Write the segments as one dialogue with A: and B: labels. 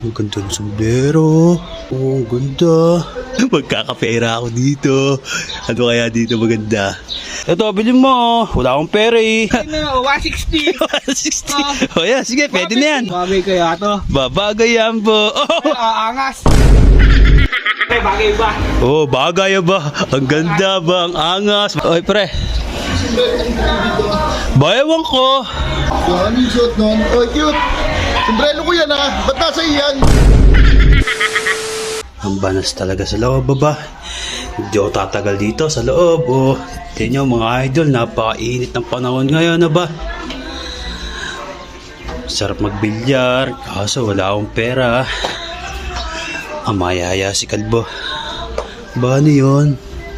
A: Ang ganda ng sombrero. Oh, ang ganda. Magkakapera ako dito. Ano kaya dito maganda? Ito, bilhin mo. Wala akong pera eh.
B: Ano, 160.
A: 160. Oh, yeah, sige, pwede na yan.
B: Bagay kaya to.
A: Babagay yan po. Oh,
B: Aangas. Bagay ba?
A: oh, bagay ba? Ang ganda ba? Ang angas. Oy, pre. Bayawan ko.
C: Ano yung suot nun? Oh, cute. Sombrero ko yan ha. Ba't nasa iyan?
A: Ang banas talaga sa loob, baba. Hindi ako tatagal dito sa loob. Oh, tingnan nyo mga idol, napakainit ng panahon ngayon, ba? Sarap magbilyar, kaso wala akong pera. Amayaya si Kalbo. Ba, ano yun?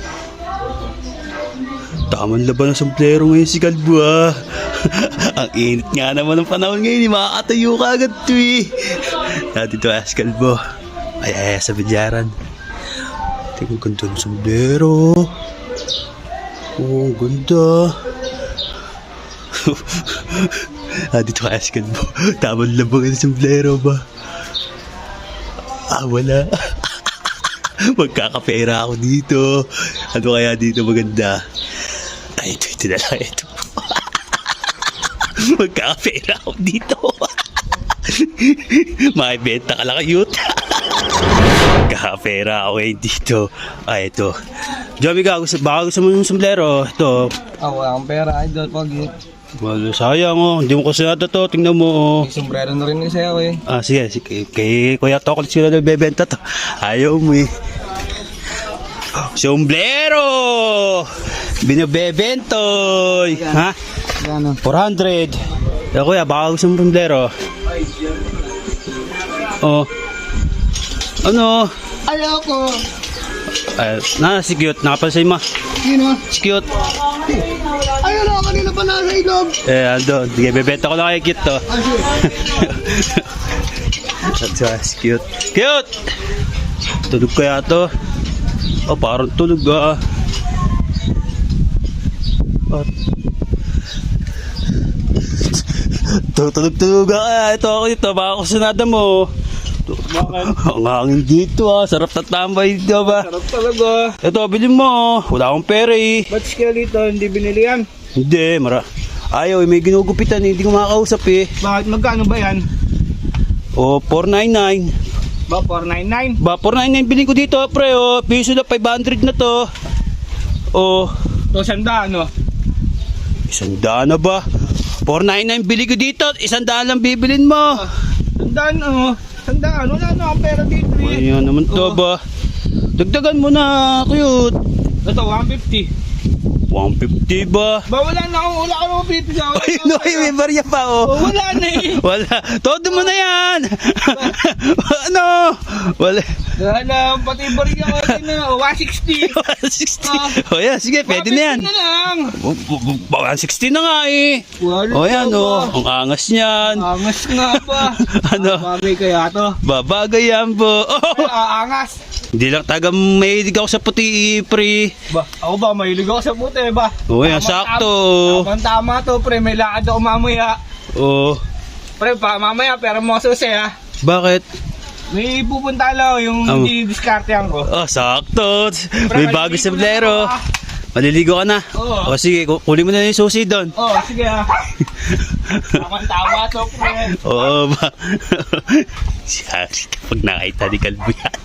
A: Tamang laban ng sombrero ngayon si Kalbo, ah. Ang init nga naman ng panahon ngayon, makakatayo ka agad to eh. Dati to as Kalbo. Ay, sa bilyaran. Tingnan ko ganda ng sombrero. Oh, ang ganda. Dito ka as Kalbo. Tamang labang ng sombrero ba? Wala. Magkakapera ako dito. Ano kaya dito maganda? Ay, ito na lang ito. Magkakapera ako dito. Makibenta ka lang kayut. Magkakapera ako dito. Ay, ito. Joby ka, baka gusto mo yung sombrero. Ito.
B: Wala akong pera, idol. Pag
A: Well, sayang oh. Hindi mo kasi nata to. Tingnan mo oh.
B: may sombrero na rin sa'yo eh.
A: Sige. Kay Kuya Tokol sila nagbebenta to. Ayaw mo eh. Sombrero! Binabebentoy! Ha?
B: Gano?
A: 400. Kuya, baka gusto mo sombrero. Oh. Ano?
B: Ayoko.
A: Si Cute. Nakapansin mo.
B: Sino?
A: Si Cute.
B: Ayun ako, kanina pa nasa ilog.
A: Ando. Sige, bebenta ko lang kay Cute to. Si Cute. Cute! Tulog kaya to? Oh, parang tulog ah. Tulog ah. Ito ako dito. Baka kusunada mo. Ang hangin dito ah. Sarap na tambay dito ba?
B: Sarap talaga.
A: Ito, bilhin mo. Wala akong pera eh.
B: Ba't kaya dito, hindi binili yan?
A: Hindi, ayaw, may ginugupitan, hindi ko makakausap eh.
B: Bakit, magkano ba yan?
A: O, 499.
B: Ba, 499?
A: Ba, 499 bilhin ko dito, pre, o. Piso na 500 na to. O,
B: So, sanda, ano?
A: 100 na ba? 499 bilhin ko dito, 100 lang bibilin mo.
B: Sandaan, ano? Sandaan, wala na akong pera dito eh.
A: Ayan naman to ba? Dagdagan mo na, cute.
B: Ito, 150.
A: 150 ba?
B: Ba, wala akong 50 sa
A: Ay, no, may barya pa, oh.
B: Wala na eh.
A: Wala. Todo mo na yan. Ano? Wala.
B: Wala, pati bariya ko din na, 160.
A: 160. O yan, sige, pwede na yan.
B: 150 na lang.
A: 160 na nga eh.
B: Wala
A: O yan,
B: ba?
A: oh. Ang angas niyan.
B: Angas nga ba?
A: Ano?
B: Bagay kaya to?
A: Babagay yan po. Oh!
B: Aangas.
A: Hindi lang taga mahilig ako sa puti, pre.
B: Ba, ako ba, mahilig ako sa puti ba?
A: O yan, sakto.
B: Tama to, pre. May lakad ako mamaya.
A: O,
B: Pre, mamaya, pero mo susi ha.
A: bakit?
B: May pupunta lang yung hindi diskartehan ko.
A: Oh, sakto. May bago sa
B: maliligo
A: blero.
B: na ako,
A: Maliligo ka na?
B: Oo.
A: O sige, kunin mo na yung susi doon.
B: Oh, sige ha. Tama to, pre.
A: Oo ba? Siya, pag nakita ni Kalbo yan.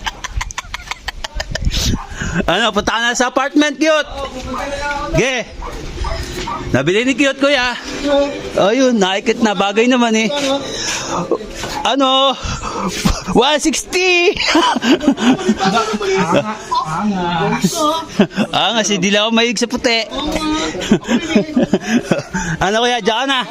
A: Ano, punta ka na sa apartment, Cute. Ge. Nabili ni Cute, kuya. Ayun, nakikit na. Bagay naman eh. Ano? 160! Angas, hindi lang ako mahilig sa puti. Ano kuya, diyan ka na.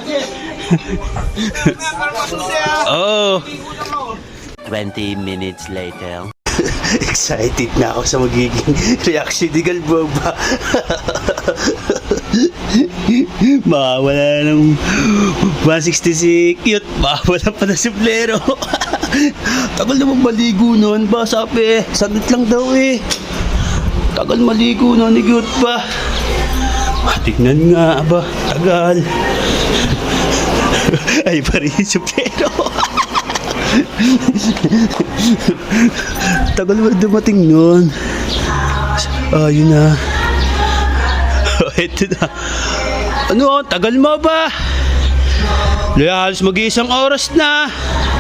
A: Oh.
D: 20 minutes later.
A: Excited na ako sa magiging reaction ni Galboba. Mawawala ng 160 si Cute. Mawawala pa na si Blero. Tagal naman maligo nun ba? Sabi, saglit lang daw eh. Tagal maligo nun ni Cute pa. Tignan nga ba? Tagal. Ay pa rin si Blero. Tagal mo dumating nun. Yun na. Ito na. Ano, tagal mo ba? Halos mag-iisang oras na.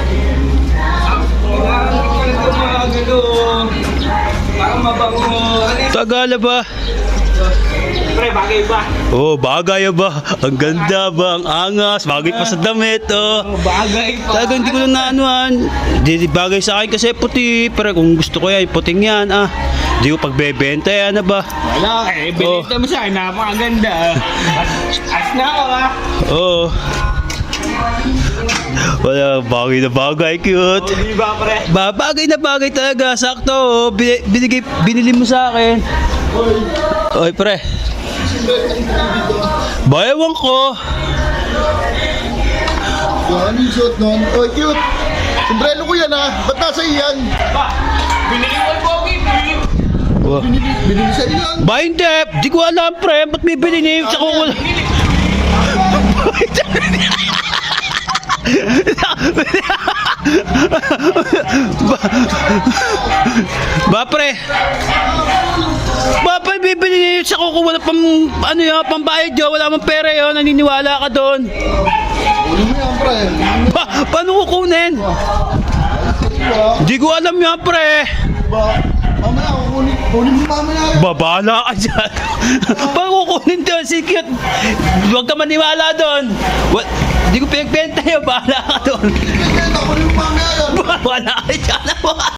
B: Parang mabango.
A: Tagal ba?
B: Pre, bagay ba?
A: Oh, bagay ba? Ang ganda ba? Ang angas. Bagay pa sa damit, oh.
B: Bagay pa.
A: Talaga hindi ko lang naanuan. Di bagay sa akin kasi puti. Pero kung gusto ko yan, puting yan, Hindi ko pagbebenta yan, ba?
B: Wala, binita mo sa akin, napakaganda. As na ako,
A: Oo. Wala, bagay na bagay, cute.
B: Di ba, pre?
A: Bagay na bagay talaga, sakto. Oh. Binili mo sa akin. Oy, pre. Bayawan ko.
C: Yan yung suot nun. Oy, cute. Sombrero ko yan ba't nasa iyan?
B: Ba, binili mo yung pogi, binili mo.
C: Binili sa iyan.
A: Ba, hindi. Di ko alam, pre. Ba't may binili sa kukul? Ba, pre. Ba, pre, bibili sa kuko. Wala pang, pambayad yun. Wala mang pera yun. Naniniwala ka doon.
C: Ano mo yan, pre?
A: Ba, paano kukunin? Di ko alam yan, pre.
C: Ba, mamaya, kunin mo mamaya yan.
A: Babala ka dyan. Paano kukunin doon? Sige, huwag ka maniwala doon. Di ko pinagbenta yun. Bahala ka doon.
C: Kunin mo mamaya yan.
A: Wala ka dyan.